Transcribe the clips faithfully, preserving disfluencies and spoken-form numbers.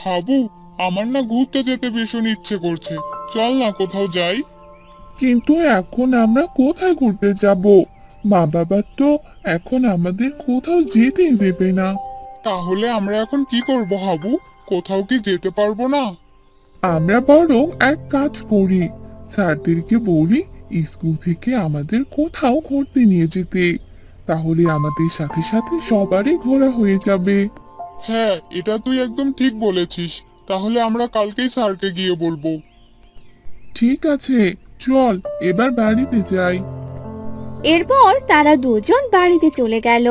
হাবু, আমার না ঘুরতে যেতে ভীষণ ইচ্ছে করছে। চল না কোথাও যাই। কিন্তু এখন আমরা কোথায় ঘুরতে যাব? মা বাবা তো এখন আমাদের কোথাও যেতেই দেবে না। তাহলে আমরা এখন কি করব হাবু? কোথাও কি যেতে পারবো না? আমরা বরং এক কাজ করি, স্যারদেরকে বলি স্কুল থেকে আমাদের কোথাও ঘুরতে নিয়ে যেতে। তাহলে আমাদের সাথে সাথে সবারই ঘোরা হয়ে যাবে। হ্যাঁ, এটা তুই একদম ঠিক বলেছিস। তাহলে আমরা কালকেই স্যারকে গিয়ে বলবো। ঠিক আছে, চল এবার বাড়িতে যাই। এরপর তারা দুজন বাড়িতে চলে গেল।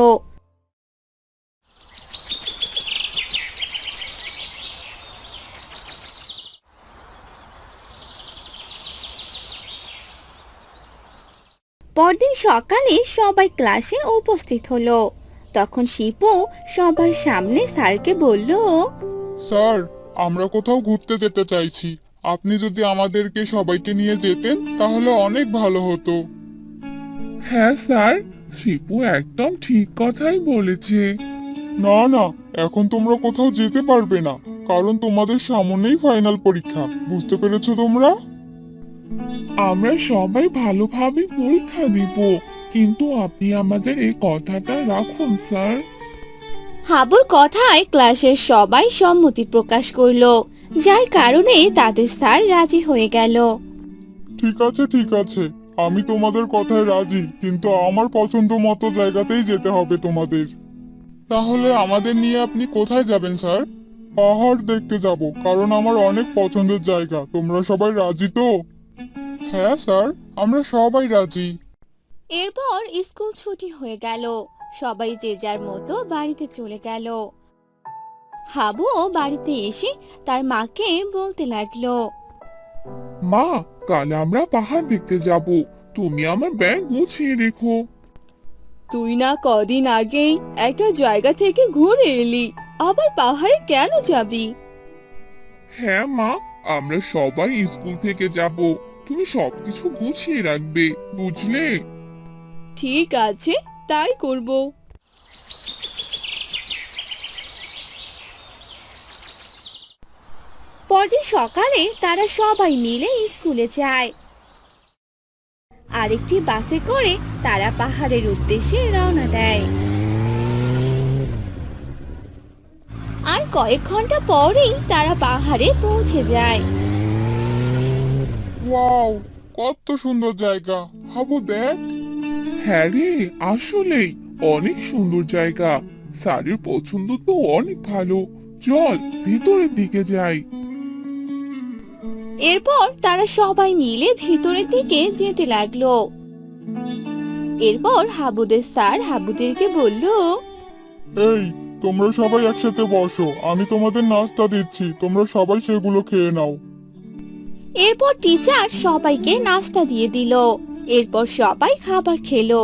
পরদিন সকালে সবাই ক্লাসে উপস্থিত হলো। তখন শিপু সবার সামনে স্যারকে বলল, স্যার, আমরা কোথাও ঘুরতে যেতে চাইছি। আপনি যদি আমাদেরকে সবাইকে নিয়ে যেতেন তাহলে অনেক ভালো হতো। হ্যাঁ স্যার, শিপু একদম ঠিক কথাই বলেছে। না না, এখন তোমরা কোথাও যেতে পারবে না, কারণ তোমাদের সামনেই ফাইনাল পরীক্ষা। বুঝতে পেরেছো তোমরা? আমরা সবাই ভালোভাবে পরীক্ষা দিব, কিন্তু আপনি আমাদের এই কথাটা রাখুন স্যার। হাবুর কথায় ক্লাসের সবাই সম্মতি প্রকাশ করলো, যার কারণে তাদের স্যার রাজি হয়ে গেল। ঠিক আছে ঠিক আছে, আমি তোমাদের কথায় রাজি, কিন্তু আমার পছন্দ মতো জায়গাতেই যেতে হবে তোমাদের। তাহলে আমাদের নিয়ে আপনি কোথায় যাবেন স্যার? পাহাড় দেখতে যাব, কারণ আমার অনেক পছন্দের জায়গা। তোমরা সবাই রাজি তো? হ্যাঁ স্যার, আমরা সবাই রাজি। এরপর স্কুল ছুটি হয়ে গেল, সবাই যে যার মতো বাড়িতে চলে গেল। হাবুও বাড়িতে এসে তার মাকে বলতে লাগলো, মা, কাল আমরা পাহাড় দেখতে যাব, তুমি আমার ব্যাগ গুছিয়ে রেখো। তুই না কদিন আগেই একটা জায়গা থেকে ঘুরে এলি, আবার পাহাড়ে কেন যাবি? হ্যাঁ মা, আমরা সবাই স্কুল থেকে যাব, তুমি সবকিছু গুছিয়ে রাখবে, বুঝলে? ঠিক আছে, তাই করব। পরদিন সকালে তারা সবাই মিলে স্কুলে যায়। আরেকটি বাসে করে তারা পাহাড়ের উদ্দেশ্যে রওনা দেয়। আর কয়েক ঘন্টা পরেই তারা পাহাড়ে পৌঁছে যায়। ওয়াও, কত সুন্দর জায়গা! হাবু দেখ। হ্যাঁ রে, আসলেই অনেক সুন্দর জায়গা। স্যারের পছন্দ তো অনেক ভালো। চল ভিতরের দিকে যাই। এরপর তারা সবাই মিলে ভিতরের দিকে যেতে লাগলো। এরপর হাবুদের স্যার হাবুদেরকে বলল, এই, তোমরা সবাই একসাথে বসো, আমি তোমাদের নাস্তা দিচ্ছি, তোমরা সবাই সেগুলো খেয়ে নাও। এরপর টিচার সবাইকে নাস্তা দিয়ে দিল। এরপর সবাই খাবার খেলো।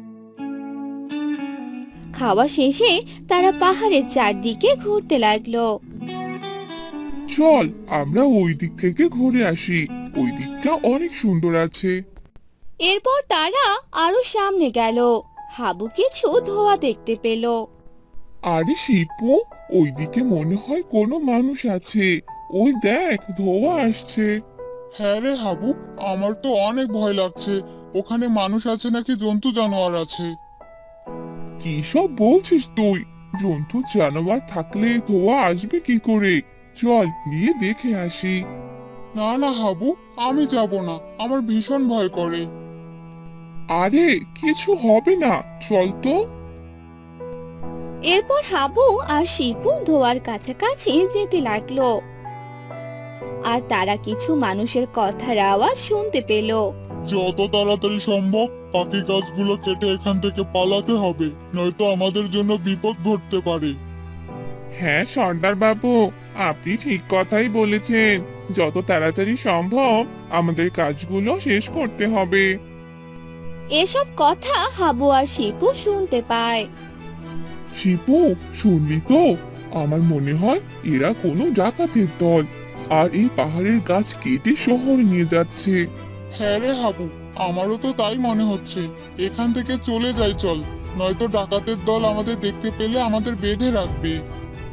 খাওয়া শেষে তারা পাহাড়ের চারদিকে ঘুরতে লাগলো। চল আমরা ওই দিক থেকে ঘুরে আসি, ওই দিকটা অনেক সুন্দর আছে। এরপর তারা আরো সামনে গেল। হাবু কিছু ধোঁয়া দেখতে পেল। আরে শিপু, ওইদিকে মনে হয় কোনো মানুষ আছে। ওই দেখ, ধোঁয়া আসছে। হ্যাঁ রে হাবু, আমার তো অনেক ভয় লাগছে। ওখানে মানুষ আছে নাকি জন্তু জানোয়ার আছে? কি সব বলছিস তুই? জন্তু জানোয়ার থাকলে ধোঁয়া আসবে কি করে? চল গিয়ে দেখে আসি। না না হাবু, আমি যাব না, আমার ভীষণ ভয় করে। আরে কিছু হবে না, চল তো। এরপর হাবু আর শিপু ধোঁয়ার কাছাকাছি যেতে লাগলো। আর তারা কিছু মানুষের কথার আওয়াজ শুনতে পেল। যত তাড়াতাড়ি সম্ভব বাকি গাছগুলো কেটে এখান থেকে পালাতে হবে, নয়তো আমাদের জন্য বিপদ ঘটতে পারে। হ্যাঁ সর্দার বাবু, আপনি ঠিক কথাই বলেছেন। যত তাড়াতাড়ি সম্ভব আমাদের কাজগুলো শেষ করতে হবে। এসব কথা হাবু আর শিপু শুনতে পায়। শিপু, শুনলি তো? আমার মনে হয় এরা কোনো ডাকাতের দল, আর এই পাহাড়ের গাছ কেটে শহরে নিয়ে যাচ্ছে। হ্যাঁ রে হাবু, আমারও তো তাই মনে হচ্ছে। এখান থেকে চলে যাই চল, নয়তো ডাকাতের দল আমাদের দেখতে পেলে আমাদের বেঁধে রাখবে।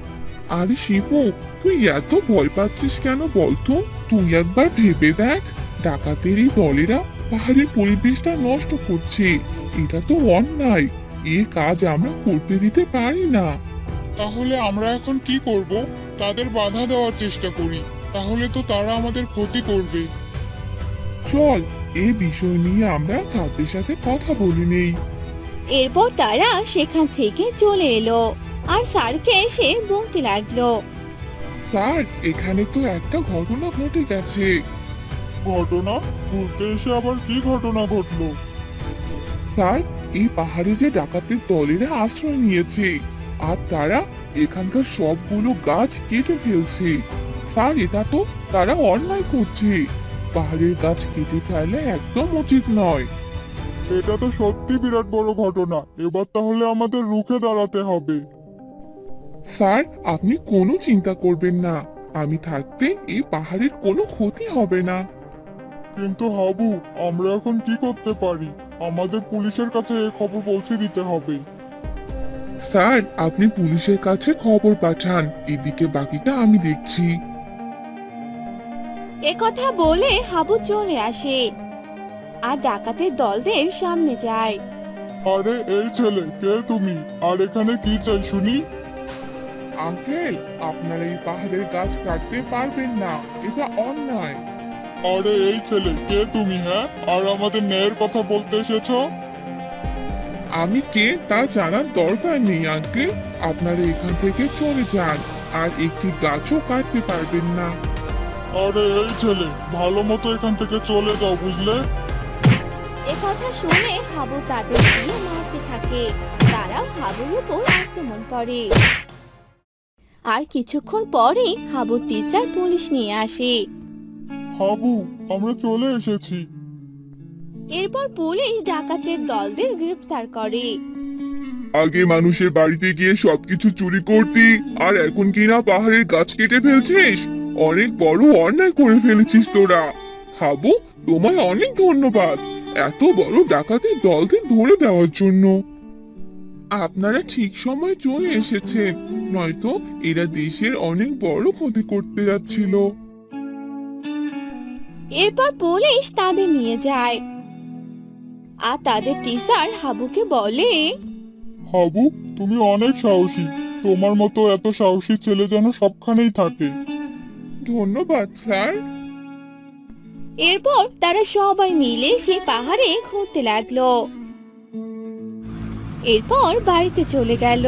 আরে শিবু, তুই এত ভয় পাচ্ছিস কেন বলতো? তুই একবার ভেবে দেখ, ডাকাতের এই দলেরা পাহাড়ের পরিবেশটা নষ্ট করছে। এটা তো অন্যায়। এ কাজ আমরা করতে দিতে পারি না। তাহলে আমরা এখন কি করব? তাদের বাধা দেওয়ার চেষ্টা করি, তাহলে তো তারা আমাদের ক্ষতি করবে। চল, এই বিষয় নিয়ে আমরা স্যারদের সাথে কথা বলে নেই। এরপর তারা সেখান থেকে চলে এলো আর স্যারকে এসে বলতে লাগলো। স্যার, এখানে তো একটা ঘটনা ঘটে গেছে। ঘটনা? ঘুরতে এসে আবার কি ঘটনা ঘটলো? স্যার, এই পাহাড়ে যে ডাকাতের দলেরা আশ্রয় নিয়েছে, আর তারা এখানকার সবগুলো গাছ কেটে ফেলছে। স্যার, এটা তো তারা অন্যায় করছে। পাহাড়ের গাছ কেটে ফেলা একদম উচিত নয়। এটা তো সত্যি বিরাট বড় ঘটনা। এবার তাহলে আমাদের রুখে দাঁড়াতে হবে। স্যার, আপনি কোনো চিন্তা করবেন না। আমি থাকতে এই পাহাড়ের কোনো ক্ষতি হবে না। কিন্তু হাবু, আমরা এখন কি করতে পারি? আমাদের পুলিশের কাছে এই খবর পৌঁছে দিতে হবে। স্যার, আপনি পুলিশের কাছে খবর পাঠান, এদিকে বাকিটা আমি দেখছি। একথা বলে হাবু চলে আসে আর ডাকাতের দলদের সামনে যায়। আরে এই ছেলে, কে তুমি? আর এখানে কি চাই শুনি? আঙ্কেল, আপনারা এই পাহাড়ের গাছ কাটতে পারবেন না, এটা অন্যায়। আরে এই ছেলে, কে তুমি? হ্যাঁ, আর আমাদের ন্যায়ের কথা বলতে এসেছো? আমি কে তা জানার দরকার নেই আঙ্কেল। আপনারা এখান থেকে চলে যান, আর একটি গাছও কাটতে পারবেন না। আরে এই ছেলে, ভালো মতো এখান থেকে চলে যাও, বুঝলে? একথা শুনে হাবু তাদের দিয়ে মারতে থাকে। তারাও হাবুর উপর আক্রমণ করে। আর কিছুক্ষণ পরেই হাবুর টিচার পুলিশ নিয়ে আসে। হাবু, আমরা চলে এসেছি। এরপর পুলিশ ডাকাতের দলদের গ্রেফতার করে। আগে মানুষের বাড়িতে গিয়ে সবকিছু চুরি করতি, আর এখন কিনা পাহাড়ের গাছ কেটে ফেলছিস। অনেক বড় অন্যায় করে ফেলেছিস তোরা। হাবু, তোমায় অনেক ধন্যবাদ এত বড় ডাকাতের দলকে ধরে দেওয়ার জন্য। আপনারা ঠিক সময় চলে এসেছেন, নয়তো এরা দেশের অনেক বড় ক্ষতি করতে যাচ্ছিল। এরপর পুলিশ তাদের নিয়ে যায় আর তাদের টিচার হাবুকে বলে, হাবু, তুমি অনেক সাহসী। তোমার মতো এত সাহসী ছেলে যেন সবখানেই থাকে। ধন্যবাদ স্যার। এরপর তারা সবাই মিলে সে পাহাড়ে ঘুরতে লাগলো। এরপর বাড়িতে চলে গেল।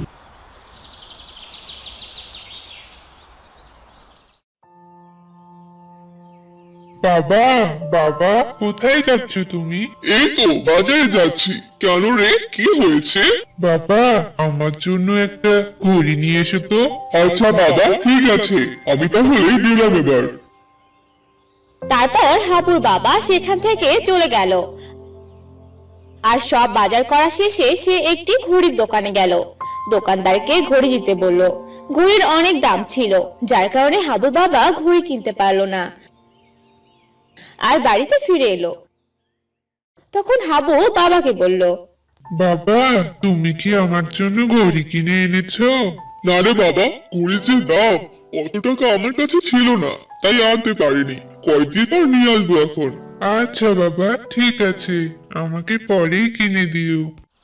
বাবা, বাবা, কোথায় যাচ্ছ তুমি? এই তো বাজারে যাচ্ছি। কেন রে, কি হয়েছে? বাবা, আমার জন্য একটা ঘড়ি নিয়ে এসো তো। আচ্ছা বাবা, ঠিক আছে, আমি তাহলে দিলাম এবার। তারপর হাবুর বাবা সেখান থেকে চলে গেল আর সব বাজার করা শেষে সে একটি ঘড়ির দোকানে গেল। দোকানদারকে ঘড়ি দিতে বলল। ঘড়ির অনেক দাম ছিল, যার কারণে হাবুর বাবা ঘড়ি কিনতে পারলো না আর বাড়িতে ফিরে এলো। তখন হাবু বাবাকে বলল, বাবা, তুমি কি আমার জন্য ঘড়ি কিনে এনেছো? না রে বাবা, ঘড়ির যে দাম, অত টাকা আমার কাছে ছিল না, তাই আনতে পারিনি। কয়েকদিন পর নিয়ে আসবো এখন। আচ্ছা বাবা, ঠিক আছে, আমাকে পরেই কিনে দিও।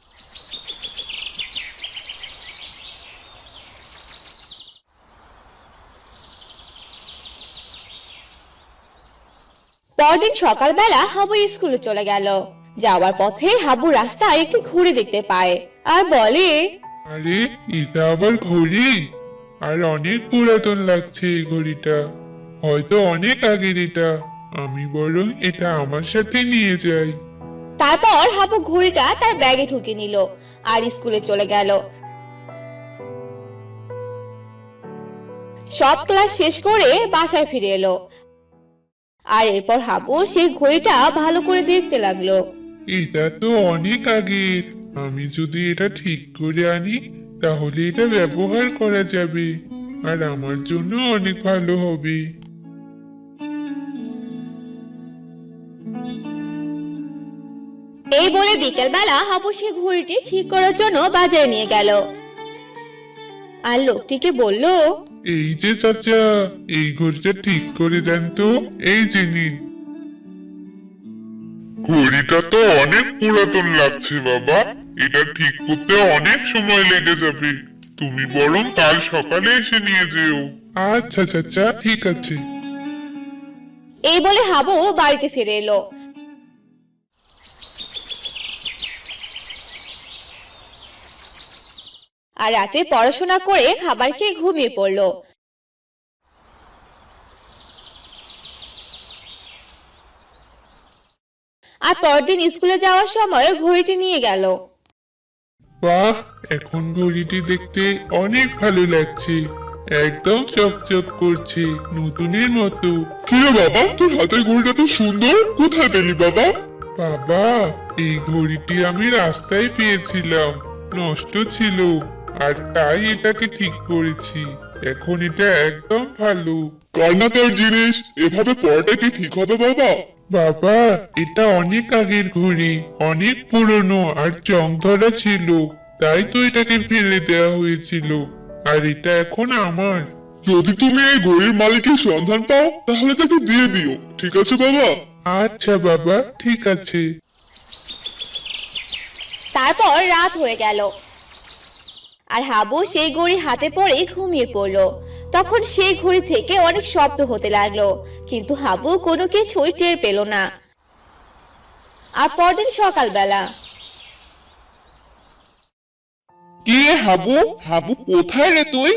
পরদিন সকালবেলা হাবু স্কুলে চলে গেল। যাওয়ার পথে হাবু রাস্তায় একটি ঘড়ি দেখতে পায় আর বলে, আরে, এটা আবার ঘড়ি? আর অনেক পুরাতন লাগছে এই ঘড়িটা। হয়তো অনেক আগের এটা। আমি বরং এটা আমার সাথে নিয়ে যাই। তারপর হাবু ঘড়িটা তার ব্যাগে ঢুকে নিল আর স্কুলে চলে গেল। সব ক্লাস শেষ করে বাসায় ফিরে এলো আর এরপর হাবু সেই ঘড়িটা ভালো করে দেখতে লাগলো। এটা তো অনেক আগের। আমি যদি এটা ঠিক করে আনি, তাহলে এটা ব্যবহার করা যাবে, আর আমার জন্য অনেক ভালো হবে। এই বলে বিকেল বেলা হাবু সে ঘড়িটি ঠিক করার জন্য বাজারে নিয়ে গেল আর লোকটিকে বলল, এই যে চাচা, এই ঘড়িটা ঠিক করে দেন তো। এই যে নিন। ঘড়িটা তো অনেক পুরাতন লাগছে বাবা, এটা ঠিক করতে অনেক সময় লেগে যাবে। তুমি বরং কাল সকালে এসে নিয়ে যেও। আচ্ছা চাচা, ঠিক আছে। এই বলে হাবু বাড়িতে ফিরে এলো। আর রাতে পড়াশোনা করে খাবার খেয়ে ঘুমিয়ে পড়লো। আর পরদিন স্কুলে যাওয়ার সময় ঘড়িটি নিয়ে গেল। বাহ, এখন ঘড়িটি দেখতে অনেক ভালো লাগছে। একদম চকচক করছে, নতুনের মতো। কি রে বাবা, তোর হাতের ঘড়িটা তো সুন্দর, কোথায় পেলি বাবা? বাবা, এই ঘড়িটি আমি রাস্তায় পেয়েছিলাম, নষ্ট ছিল, আর তাই এটাকে ঠিক করেছি। এখন এটা একদম ভালো। কান্নাকার জিনিস এভাবে পড়াটা কি ঠিক হবে বাবা? বাবা, এটা অনেক আগের ঘড়ি, অনেক পুরনো আর জং ধরা ছিল, তাই তো এটাকে ফেলে দেওয়া হয়েছিল, আর এটা এখন আমার। যদি তুমি এই ঘড়ির মালিকের সন্ধান পাও তাহলে তাকে দিয়ে দিও, ঠিক আছে বাবা? আচ্ছা বাবা, ঠিক আছে। তারপর রাত হয়ে গেল আর হাবু সেই ঘড়ি হাতে পড়ে ঘুমিয়ে পড়লো। তখন সেই ঘড়ি থেকে অনেক শব্দ হতে লাগলো, কিন্তু হাবু কোনো কিছুই টের পেল না। আর পরদিন সকালবেলা, কি রে হাবু, হাবু কোথায় রে তুই?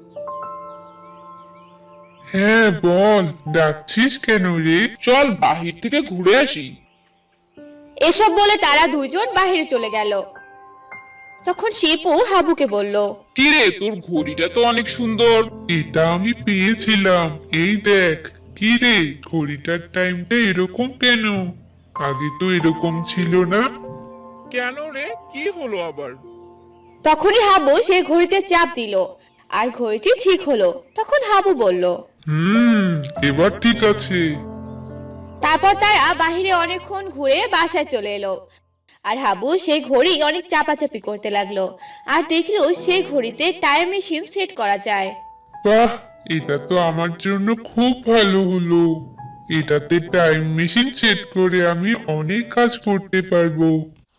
হ্যাঁ বল, ডাকছিস কেন রে? চল বাহির থেকে ঘুরে আসি। এসব বলে তারা দুইজন বাইরে চলে গেল। তখন শিপু হাবুকে বলল, কি রে, তোর ঘড়িটা তো অনেক সুন্দর। এটা আমি পেয়েছিলাম, এই দেখ। কি রে, ঘড়িটার টাইমটা এরকম কেন? আগে তো এরকম ছিল না। কেন রে, কি হলো আবার? তখনই হাবু সেই ঘড়িতে চাপ দিল আর ঘড়িটি ঠিক হলো। তখন হাবু বলল, হুম, এবার ঠিক আছে। তারপর তারা বাহিরে অনেকক্ষণ ঘুরে বাসায় চলে এলো। আর হাবু সেই ঘড়ি অনেক চাপাচাপি করতে লাগলো আর দেখলো সেই ঘড়িতে টাইম মেশিন সেট করা যায়। বাহ, এটা তো আমার জন্য খুব ভালো হলো। এটাতে টাইম মেশিন সেট করে আমি অনেক কাজ করতে পারবো।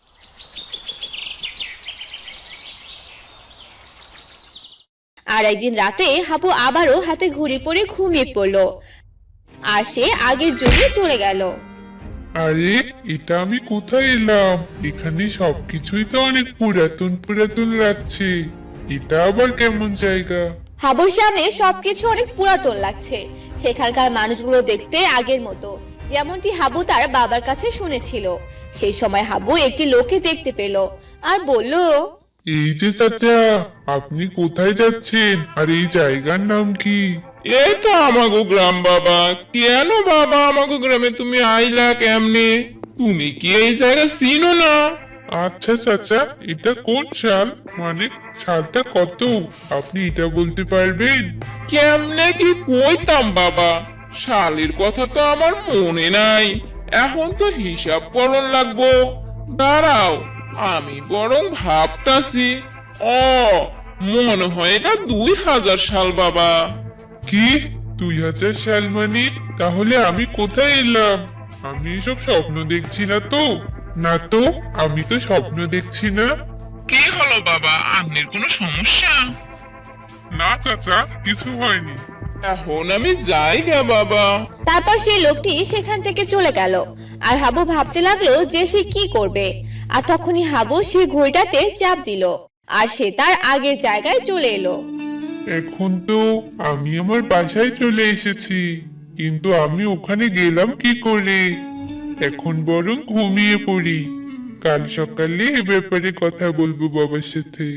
আর একদিন রাতে হাবু আবারও হাতে ঘড়ি পরে ঘুমিয়ে পড়লো আর সে আগের যুগে চলে গেল। আরে, এটা আমি কোথায় এলাম? এখানে সবকিছুই তো অনেক পুরাতন পুরাতন লাগছে। এটা আবার কেমন জায়গা? হাবুর সামনে সবকিছু অনেক পুরাতন লাগছে। সেখানকার মানুষগুলো দেখতে আগের মতো, যেমনটি হাবু তার বাবার কাছে শুনেছিল। সেই সময় হাবু একটি লোককে দেখতে পেল আর বলল, এই যে চাচা, আপনি কোথায় যাচ্ছেন আর এই জায়গার নাম কি? এই তো আমাগো গ্রাম বাবা। কেন বাবা, আমাগো গ্রামে তুমি আইলা কেমনে? তুমি কি এই জায়গা চিনো না? আচ্ছা চাচা, এটা কোন সাল, মানে সালটা কত? আপনি এটা বলতে পারবেন? কেমনে কি কইতাম বাবা, সালের কথা তো আমার মনে নাই। এখন তো হিসাব করন লাগবো। দাঁড়াও, আমি বরং ভাবতাছি। ও, মনে হয় এটা দুই হাজার সাল বাবা। কি, দুই হাজার সাল মানে? তাহলে আমি কোথায় এলাম? আমি এসব স্বপ্ন দেখছি না তো? না তো, আমি তো স্বপ্ন দেখছি না। কি হলো বাবা, আপনার কোনো সমস্যা? না চাচা, কিছু হয়নি। এখন আমি যাই গে বাবা। তারপর সেই লোকটি সেখান থেকে চলে গেল আর হাবু ভাবতে লাগলো যে সে কি করবে। আর তখনই হাবু সেই ঘড়িটাতে চাপ দিল আর সে তার আগের জায়গায় চলে এলো। এখন তো আমি আমার বাসায় চলে এসেছি, কিন্তু আমি ওখানে গেলাম কি করে? এখন বরং ঘুমিয়ে পড়ি, কাল সকালে এ ব্যাপারে কথা বলবো বাবার সাথে।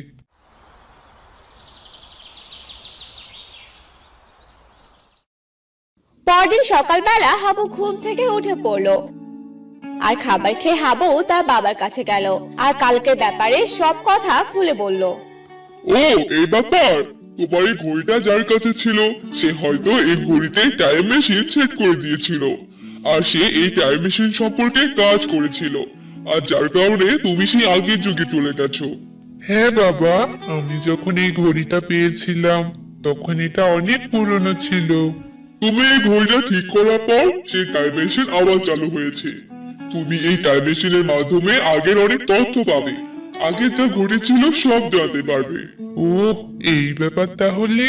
পরদিন সকালবেলা হাবু ঘুম থেকে উঠে পড়লো আর খাবার খেয়ে হাবু তার বাবার কাছে গেল আর কালকের ব্যাপারে সব কথা খুলে বলল। ও, এই ব্যাপার। তোমার এই ঘড়িটা যার কাছে ছিল সে হয়তো এই ঘড়িতে টাইম মেশিন সেট করে দিয়েছিল, আর সে এই টাইম মেশিন সম্পর্কে কাজ করেছিল, আর যার কারণে তুমি সেই আগের যুগে চলে গেছো। হ্যাঁ বাবা, আমি যখন এই ঘড়িটা পেয়েছিলাম তখন এটা অনেক পুরনো ছিল। তুমি এই ঘড়িটা ঠিক করার পর সেই টাইম মেশিন আবার চালু হয়েছে। তুমি এই টাইম মেশিনের মাধ্যমে আগের অনেক তথ্য পাবে। আগে যা ঘটেছিল সব জানতে পারবে। ও, এই ব্যাপার তাহলে।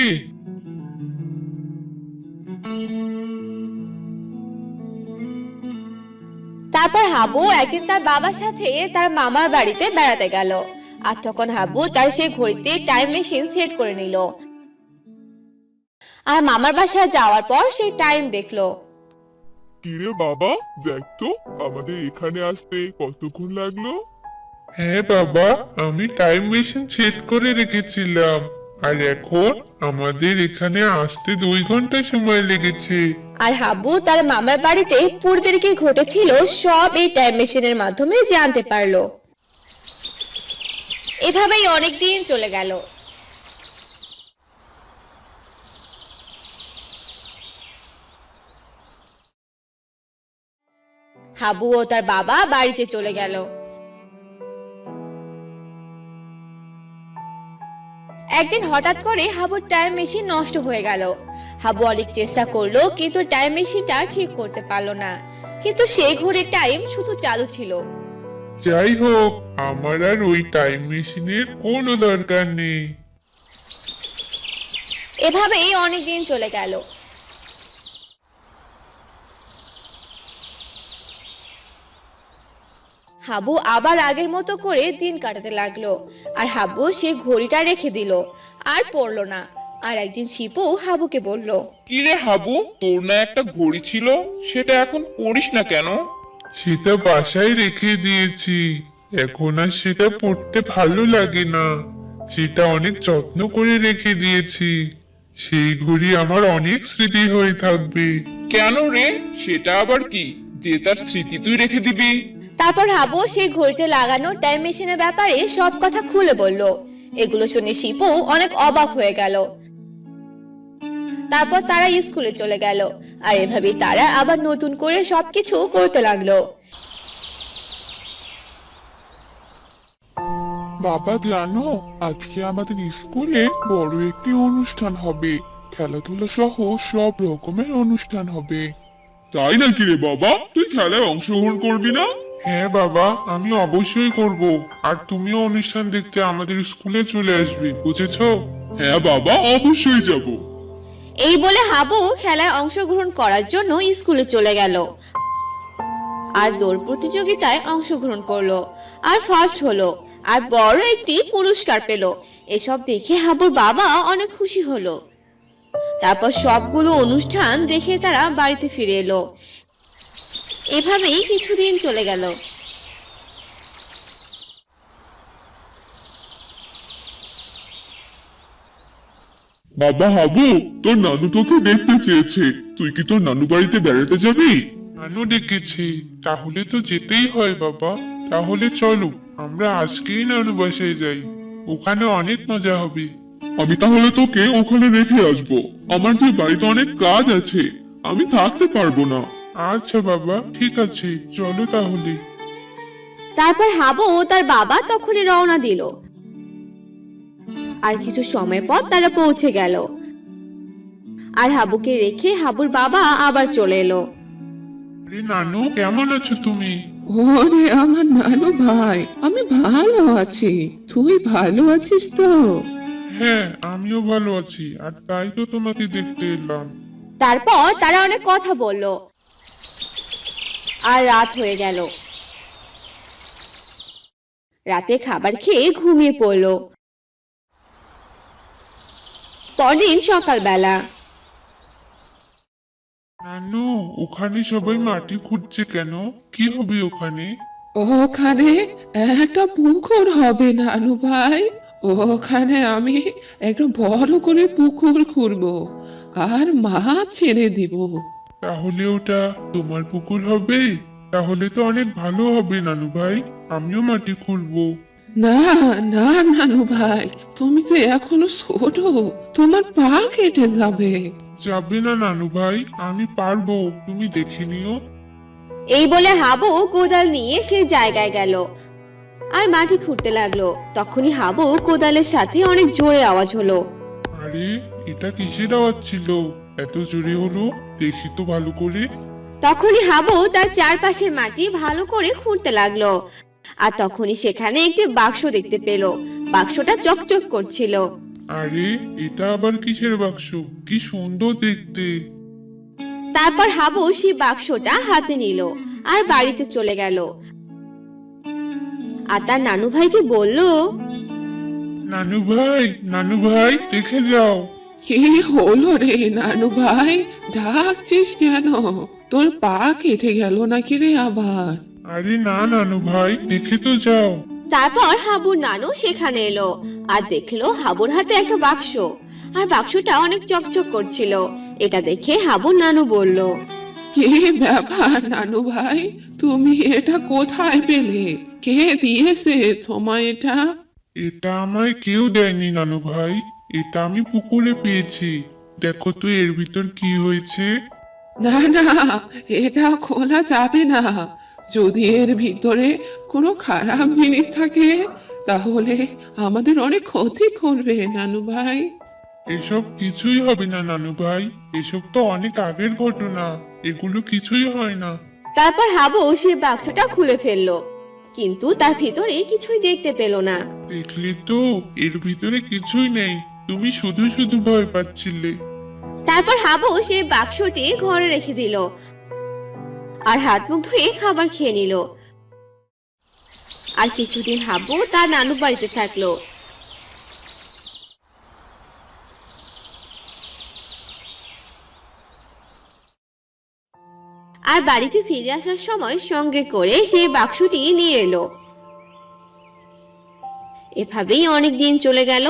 তারপর হাবু একদিন তার বাবার সাথে তার মামার বাড়িতে বেড়াতে গেল। আর তখন হাবু তার সেই ঘড়িতে টাইম মেশিন সেট করে নিল। আর মামার বাসায় যাওয়ার পর সেই টাইম দেখলো। কিরে বাবা, দেখ তো আমাদের এখানে আসতে কতক্ষণ লাগলো। হ্যাঁ বাবা, আমি টাইম মেশিন সেট করে রেখেছিলাম, আর এখন আমাদের এখানে আসতে দুই ঘন্টা সময় লেগেছে। আর হাবু তার মামার বাড়িতে পূর্বের কি ঘটেছিল সব এই টাইম মেশিনের মাধ্যমে জানতে পারলো। এভাবেই অনেক দিন চলে গেল। হাবু ও তার বাবা বাড়িতে চলে গেল। একদিন হঠাৎ করে হাবুর টাইম মেশিন নষ্ট হয়ে গেল। হাবু অনেক চেষ্টা করলো কিন্তু টাইম মেশিনটা ঠিক করতে পারলো না। কিন্তু সেই ঘড়ির টাইম শুধু চালু ছিল। যাই হোক, আমার আর ওই টাইম মেশিনের কোনো দরকার নেই। এভাবেই অনেক দিন চলে গেল। হাবু আবার আগের মতো করে দিন কাটাতে লাগলো। আর হাবু সে ঘড়িটা রেখে দিল, আর পড়লো না। আর একদিন শিপু হাবুকে বলল, কি রে হাবু, তোর না একটা ঘড়ি ছিল, সেটা এখন পড়িস না কেন? সেটা বাসায় রেখে দিয়েছি, এখন আর সেটা পড়তে ভালো লাগে না। সেটা অনেক যত্ন করে রেখে দিয়েছি, সেই ঘড়ি আমার অনেক স্মৃতি হয়ে থাকবে। কেন রে, সেটা আবার কি যে তার স্মৃতি তুই রেখে দিবি? তারপর হাবু সেই ঘড়িতে লাগানো টাইম মেশিনের ব্যাপারে সব কথা খুলে বলল। এগুলো শুনে শিপু অনেক অবাক হয়ে গেল। তারপর তারা স্কুলে চলে গেল। আর এভাবেই তারা আবার নতুন করে সবকিছু করতে লাগলো। বাবা জানো, আজকে আমাদের স্কুলে বড় একটি অনুষ্ঠান হবে। খেলাধুলা সহ সব রকমের অনুষ্ঠান হবে। তাই নাকি রে বাবা, তুই খেলায় অংশগ্রহণ করবি না? হ্যাঁ বাবা, আমি অবশ্যই করব। আর তুমিও অনুষ্ঠান দেখতে আমাদের স্কুলে চলে আসবে, বুঝেছো? হ্যাঁ বাবা, অবশ্যই যাব। এই বলে হাবু খেলায় অংশগ্রহণ করার জন্য স্কুলে চলে গেল। আর দৌড় প্রতিযোগিতায় অংশগ্রহণ করলো, আর ফার্স্ট হলো, আর বড় একটি পুরস্কার পেল। এসব দেখে হাবুর বাবা অনেক খুশি হলো। তারপর সবগুলো অনুষ্ঠান দেখে তারা বাড়িতে ফিরে এলো। এভাবেই কিছুদিন চলে গেল। বাবা হাবু, তোর নানু তোকে দেখতে চেয়েছে। তুই কি তোর নানু বাড়িতে বেড়াতে যাবি? নানু ডেকেছি, তাহলে তো যেতেই হয় বাবা। তাহলে চলো আমরা আজকেই নানু বাসায় যাই, ওখানে অনেক মজা হবে। আমি তাহলে তোকে ওখানে রেখে আসবো। আমার যে বাড়িতে অনেক কাজ আছে, আমি থাকতে পারবো না। আচ্ছা বাবা, ঠিক আছে, চলো তাহলে। তারপর হাবু ও তার বাবা তখনই রওনা দিল। আর কিছু সময় পর তারা পৌঁছে গেল। আর হাবুকে রেখে হাবুর বাবা আবার চলে এলো। আরে নানু, কেমন আছো তুমি? ওরে আমার নানু ভাই, আমি ভালো আছি। তুই ভালো আছিস তো? হ্যাঁ, আমিও ভালো আছি, আর তাই তো তোমাকে দেখতে এলাম। তারপর তারা অনেক কথা বলল। আর রাত হয়ে গেল। রাতে খাবার খেয়ে ঘুমিয়ে পড়লো। পরদিন সকালবেলা নানু, ওখানে সবাই মাটি খুঁড়ছে কেন? কি হবে ওখানে? ওখানে একটা পুকুর হবে নানু ভাই। ওখানে আমি একটা বড় করে পুকুর খুঁড়বো আর মাছ ছেড়ে দিব। তাহলে ওটা তোমার পুকুর হবে? তাহলে তো অনেক ভালো হবে নানু ভাই, আমিও মাটি খুঁড়বো। না না নানু ভাই, তুমি যে এখনো ছোট, তোমার পা কেটে যাবে। যাবে না নানু ভাই, আমি পারবো, তুমি দেখে নিও। এই বলে হাবু কোদাল নিয়ে সেই জায়গায় গেল। আর মাটি খুঁড়তে লাগলো। তখনই হাবু কোদালের সাথে অনেক জোরে আওয়াজ হলো। আরে এটা কিসের আওয়াজ ছিল? এত জোরে হলো, দেখি তো ভালো করে। তখনই হাবু তার চারপাশের মাটি ভালো করে খুঁড়তে লাগলো। আর তখনই সেখানে একটি বাক্স দেখতে পেল। বাক্সটা চকচক করছিল। আরে এটা আবার কিসের বাক্স? কি সুন্দর দেখতে। তারপর হাবু সেই বাক্সটা হাতে নিল আর বাড়িতে চলে গেল। আর তার নানু ভাইকে বলল, নানু ভাই, নানু ভাই, দেখে যাও। কি হলো রে নানু ভাই, ডাকছিস কেন? তোর পা কেটে গেল নাকি রে আবার? আরে না নানু ভাই, দেখে তো যাও। তারপর হাবুর নানু সেখানে এলো আর দেখলো হাবুর হাতে একটা বাক্স। আর বাক্সটা অনেক চকচক করছিল। এটা দেখে হাবুর নানু বলল, কি ব্যাপার নানু ভাই, তুমি এটা কোথায় পেলে? কে দিয়েছে তোমায় এটা? এটা আমায় কেউ দেয়নি নানু ভাই, এটা আমি পুকুরে পেয়েছি। দেখো তো এর ভিতর কি হয়েছে। না না, এটা খোলা যাবে না। যদি এর ভিতরে কোনো খারাপ জিনিস থাকে তাহলে আমাদের অনেক ক্ষতি করবে নানু ভাই। এসব কিছুই হবে না নানু ভাই, এসব তো অনেক আগের ঘটনা, এগুলো কিছুই হয় না। তারপর হাবু সেই বাক্সটা খুলে ফেললো, কিন্তু তার ভিতরে কিছুই দেখতে পেল না। দেখলি তো, এর ভিতরে কিছুই নেই, তুমি শুধু শুধু ভয় পাচ্ছিলে। তারপর হাবু সেই বাক্সটি ঘরে রেখে দিল আর হাত মুখ ধুয়ে খাবার খেয়ে নিল। আর কিছুদিন হাবু তার নানু বাড়িতে থাকলো। আর বাড়িতে ফিরে আসার সময় সঙ্গে করে সেই বাক্সটি নিয়ে এলো। এভাবেই অনেক দিন চলে গেল।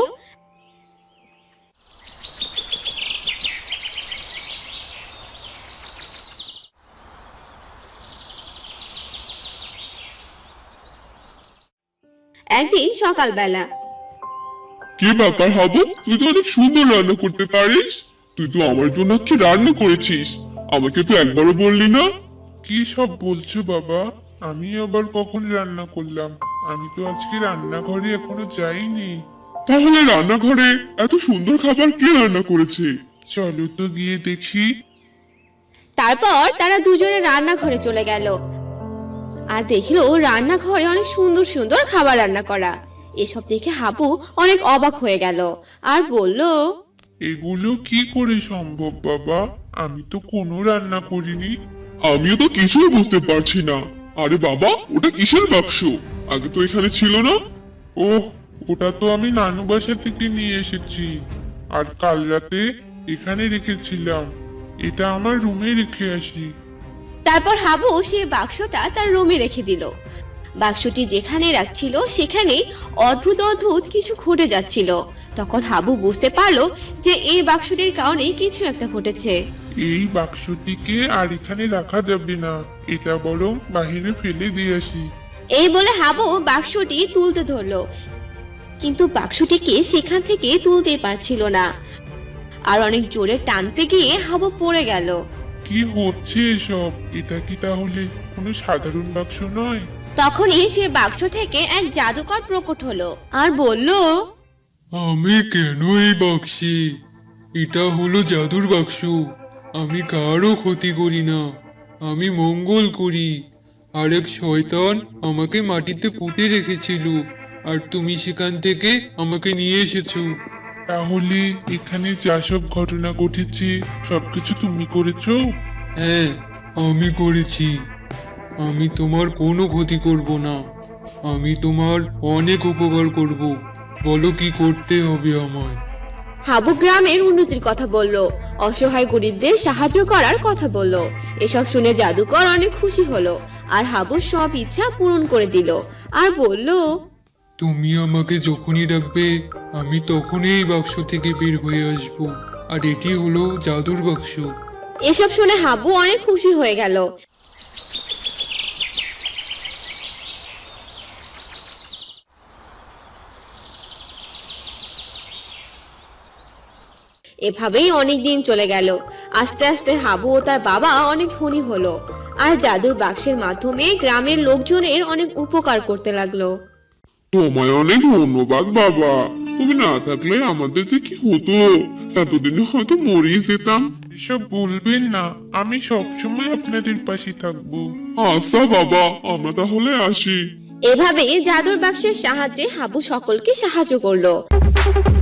একদিন সকালবেলা, কি ব্যাপার হাবু, তুই তো অনেক সুন্দর রান্না করতে পারিস। তুই তো আমার জন্য কি রান্না করেছিস? আমাকে তো একবারও বললি না। কি সব বলছো বাবা? আমি আবার কখন রান্না করলাম? আমি তো আজকে রান্নাঘরে এখনো যাইনি। তাহলে রান্নাঘরে এত সুন্দর খাবার কে রান্না করেছে? চলো তো গিয়ে দেখি। তারপর তারা দুজনে রান্নাঘরে চলে গেল আর দেখলো রান্নাঘরে অনেক সুন্দর সুন্দর খাবার রান্না করা। এসব দেখে হাবু অনেক অবাক হয়ে গেল আর বলল, এগুলো কি করে সম্ভব বাবা? আমি তো কোনো রান্না করিনি। আমিও তো কিছুই বুঝতে পারছি না। আরে বাবা, ওটা কিসের বাক্স? আগে তো এখানে ছিল না। ওহ, ওটা তো আমি নানু বাসা থেকে নিয়ে এসেছি, আর কাল রাতে এখানে রেখেছিলাম। এটা আমার রুমে রেখে আসি। তারপর হাবু সেই বাক্সটা তার রুমে রেখে দিল। বাক্সটি যেখানে রাখছিল সেখানে অদ্ভুত অদ্ভুত কিছু ঘটে যাচ্ছিল। তখন হাবু বুঝতে পারলো যে এই বাক্সটির কারণে কিছু একটা ঘটেছে। এই বাক্সটিকে আর এখানে রাখা যাবে না, এটা বরং বাহিরে ফেলে দিয়ে আসি। এই বলে হাবু বাক্সটি তুলতে ধরলো, কিন্তু বাক্সটিকে সেখান থেকে তুলতে পারছিল না। আর অনেক জোরে টানতে গিয়ে হাবু পড়ে গেল। কি হচ্ছে এসব? এটা কি তাহলে কোনো সাধারণ বাক্স নয়? তখনই সে বাক্স থেকে এক জাদুকর প্রকট হলো আর বলল, আমি কেন এই বাক্সে? এটা হলো জাদুর বাক্স। আমি কারও ক্ষতি করি না, আমি মঙ্গল করি। আর এক শয়তান আমাকে মাটিতে পুঁতে রেখেছিল, আর তুমি সেখান থেকে আমাকে নিয়ে এসেছো। তাহলে এখানে যা সব ঘটনা ঘটেছে সবকিছু তুমি করেছো? হ্যাঁ, আমি করেছি। আমি তোমার কোনো ক্ষতি করব না, আমি তোমার অনেক উপকার করব। বলো কি করতে হবে আমায়? হাবু গ্রামের উন্নতির কথা বলল, অসহায় গরিবদের সাহায্য করার কথা বলল। এসব শুনে জাদুকর অনেক খুশি হলো আর হাবুর সব ইচ্ছা পূরণ করে দিল আর বলল, তুমি আমাকে যখনই ডাকবে আমি তখনই এই বাক্স থেকে বের হয়ে আসব। আর এটি হলো জাদুর বাক্স। এসব শুনে হাবু অনেক খুশি হয়ে গেল। এভাবেই অনেক দিন চলে গেল। আস্তে আস্তে হাবু ও তার বাবা অনেক ধনী হলো আর জাদুর বাক্সের মাধ্যমে গ্রামের লোকজনের অনেক উপকার করতে লাগলো। তোমায় অনেক ধন্যবাদ বাবা, তুমি না থাকলে আমাদের যে কি হতো, এতদিনে হয়তো মরেই যেতাম। এসব বলবেন না, আমি সবসময় আপনাদের পাশে থাকবো। আচ্ছা বাবা, আমরা তাহলে আসি। এভাবে জাদুর বাক্সের সাহায্যে হাবু সকলকে সাহায্য করলো।